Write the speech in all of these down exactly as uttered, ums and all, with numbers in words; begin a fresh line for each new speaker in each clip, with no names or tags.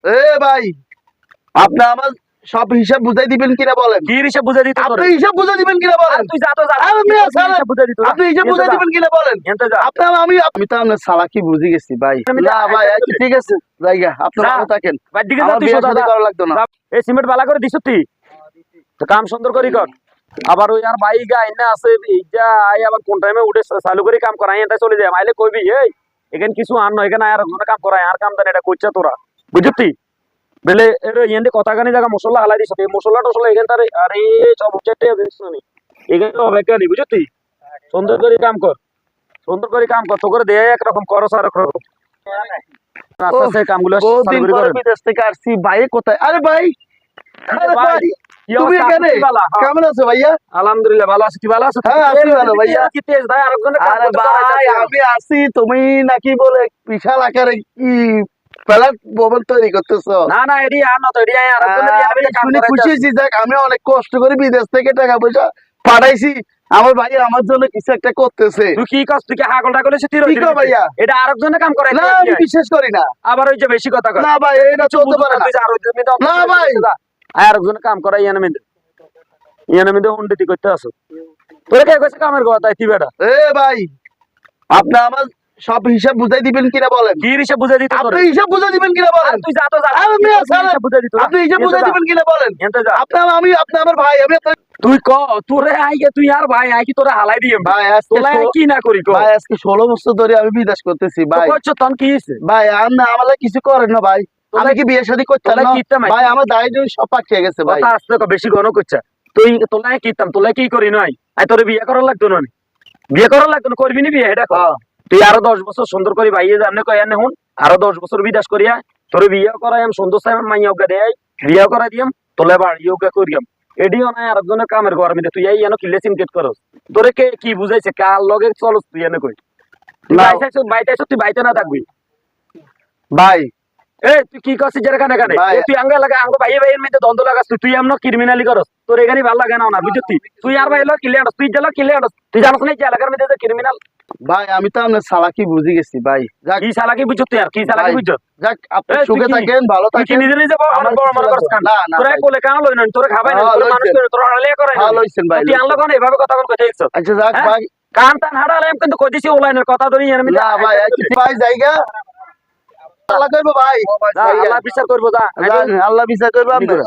এ ভাই, আপনি আমার সব হিসাব বুঝাই দিবেন কিনা বলেন?
কি হিসাব বুঝাই দিতে
আপনি হিসাব বুঝাই দিবেন কিনা বলেন?
তুই যা তো যা
আরে মিয়া সালা,
হিসাব বুঝাই দিত
আপনি হিসাব বুঝাই দিবেন কিনা বলেন?
এনতে যা
আপনি আমি আমি তো আপনার সালাকি বুঝে গেছি ভাই।
আমি
না ভাই, আচ্ছা ঠিক আছে, জায়গা আপনি
যা।
ভালো থাকেন।
বাড়ির দিকে যা
আমার
তুই
বিয়ে
সোজা
শাদী
যা।
করা লাগতো না।
যা। এই সিমেন্ট বালা করে দিছ তুই তো কাম সুন্দর করি কর। আবার ওই আর ভাই গা এনে আছে এইটা আই আবার কোন টাইমে উঠে চালু করে কাম করাই এটা চলে যায় মাইলে কইবি এই এখানে কিছু আর নয় এখানে আর কোনো কাম করাই আর কাম দেন এটা কইছা তোরা বুঝতি বেলে এর এন্ডে কথা গানি জায়গা মশলা হালাই দিছ এই মশলা টসলা এখান তারে আরে সব উচ্চাটে দিছ নি এখানে তো হবে কেন বুঝতি সুন্দর করে কাম কর সুন্দর করে কাম কর তো করে দে এক রকম করস আর রকম আস্তে আস্তে কামগুলো
বহুত
চালু
দিন
করে
পরে
করেন
বিদেশ থেকে আসছি, ভাই কোথায়? আরে ভাই, আরে
ভাই,
ভাই,
কি
তুমি
অবস্থা?
এখানে?
আপনি কি বালা? হ্যাঁ।
কেমন আছো ভাইয়া?
আলহামদুলিল্লাহ ভালো আছি তুই ভালো আছিস
হ্যাঁ, আছি ভালো ভাইয়া।
কি তেজ ভাই আরেকজনের কাম
আরে
করতে
ভাই,
দাঁড়াইছে।
আমি আছি, তুমি নাকি বলে বিশাল আকারে কি ফ্ল্যাট ভবন তৈরি করতেছো?
না না এডি আর না তো এডি আরেকজনের
আহ,
বিয়ে
আমি
নিয়ে কাম
শুনে
করাইতে
খুশি
আছে।
হয়েছি, যাক আমি অনেক কষ্ট করে বিদেশ থেকে টাকা পয়সা পাঠাইছি, আমার ভাই আমার জন্য কিছু একটা করতেছে।
তুই কি কস তুই কি হাগল টাগল এসে তুই
কি কও ভাইয়া?
এটা আরেকজনের কাম করাইতে
না আমি বিশ্বাস করি না।
আবার ওই যে বেশি কথা কয়
না ভাই, এটা
কিছু
চলতে
বুঝো
পারে
না
না।
তুই যে আর ওই জমি দাও
না ভাই।
আরেকজনের কাম করাই ইয়ানে মিদে ইয়ানে মিদে হুন্ডিতি করতে আসো তোরে কে কইছে কামের কথা তুই বেটা
এ ভাই, আপনি আমার সব হিসাব বুঝাই দিবেন কিনা বলেন?
কি হিসাব বুঝাই দিতে
আপনি
তোরে
হিসাব বুঝাই দিবেন কিনা বলেন?
তুই যা তো যা
আরে মিয়া সালা,
হিসাব বুঝাই দিত
আপনি হিসাব বুঝাই দিবেন কিনা বলেন?
এনতে যা
আপনি আমি আপনি আমার ভাই, আমি আপনার
তুই ক তোরে আইগে তুই আর ভাই আই কি তোরে হালাই দিম
ভাই। আজকে
তোলা
ষোলো-
কি না করি কো
ভাই আজকে ষোলো বছর ধরে আমি বিদেশ করতেছি ভাই।
কইছো তন কি হইছে
ভাই আপনি আমাদের কিছু করেন না ভাই, আমি কি বিয়ে শাদী করতাম
তোলা
না?
কিতা মাই
ভাই আমার দাড়ি টাড়ি সব পাকিয়ে গেছে ভাই।
কথা আসতে কো বেশি ঘন কইছা তুই তোলাই কিতাম তোলাই কি করি নাই আই তোরে বিয়ে করার লাগতো না বিয়ে করার লাগতো না করবি নি বিয়ে এটা কর
হ্যাঁ।
তুই আরো দশ বছর সুন্দর করে ভাইয়ে জানে কই আনে হুন আরো দশ বছর বিদেশ করিয়া তোরে বিয়ে করাই আমি সুন্দর সাইম মাইয়া ওগা দেই বিয়ে করাই দিম তোলে বাড়ি ওগা করিয়াম এডিও না আরেকজনের কামের ঘর মধ্যে তুই এই এনো কিলে সিনকেট করস তোরে কে কি বুঝাইছে কার লগে চলস তুই এনে কই
না।
বাইতে বাইতে তুই বাইতে না থাকবি
ভাই
এই তুই কি করছিস যেটা কানে কানে
ভাই।
এই তুই আঙ্গা লাগা আঙ্গো ভাইয়ে ভাইয়ের মধ্যে দ্বন্দ্ব লাগাস তুই তুই এমন ক্রিমিনালি করস তোর এখানে ভালো লাগে না না বুঝতি তুই আর ভাই লো কিলে আনস তুই জেলা কিলে আনস তুই জানোস না এই এলাকার মধ্যে যে ক্রিমিনাল
ভাই, আমি তো আপনার সালাকি বুঝে গেছি ভাই। যাক
কি চালাকি বুঝতি আর কি চালাকি
ভাই,
বুঝছ
যাক আপনি
এই, তুই
সুখে
কি-
থাকেন, ভালো
তুই কি
থাকেন।
নিজে নিজে বড়
আমার
বড়
কিছু
মনে করছ
লাগবে
কান
না, না
তোরা
ভাই।
কোলে কান লই না তোরা খাবাই না
হ্যাঁ,
তোরা মানুষ
লইছেন।
করে তোরা আড়ালে করে না
হ্যাঁ, লইছেন ভাই,
তুই আনলো
লইছেন।
কোন এভাবে কথা কোন কইতে ইচ্ছ
আচ্ছা যাক
হ্যাঁ?
ভাই।
কান টান হাড়ালে আমি কিন্তু কইতেছি অনলাইনের কথা ধরি এর মধ্যে
না ভাই, আচ্ছা, ভাই জায়গা আল্লাহ করবো ভাই।
যা, আল্লাহ বিচার করবো যা
যান, আল্লাহ বিচার করবো আপনার।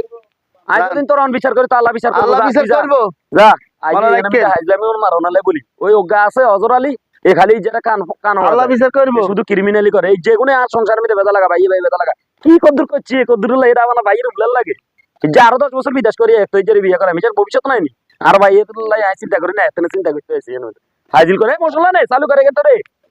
আজ দিন তোর অন বিচার করে তো আল্লাহ বিচার করবো
আল্লাহ
যা,
বিচার
তুই যা।
করবো।
যা
ভালো
আইজি
রাখেন।
এনে হাইজলামি ওর মারো নালে বলি ওই অজ্ঞা আছে অজর আলী এ খালি যেটা কান কান ওড়া
আল্লাহ
দেয়।
বিচার করবো।
এ শুধু ক্রিমিনালি করে এই যে কোনো আর সংসার মধ্যে বেদা লাগা ভাই ভাই বেদা লাগা কি কদ্দুর করছি কদ্দুর এটা আমার ভাইয়ের উবলাল লাগে যে আরো দশ বছর বিদেশ করি এক তৈরি বিয়ে করে আমি যার ভবিষ্যৎ নাই নি আর ভাই এত লাই চিন্তা করি না এত চিন্তা করতে আছি হাজির করে মশলা নেই চালু করে গেছে রে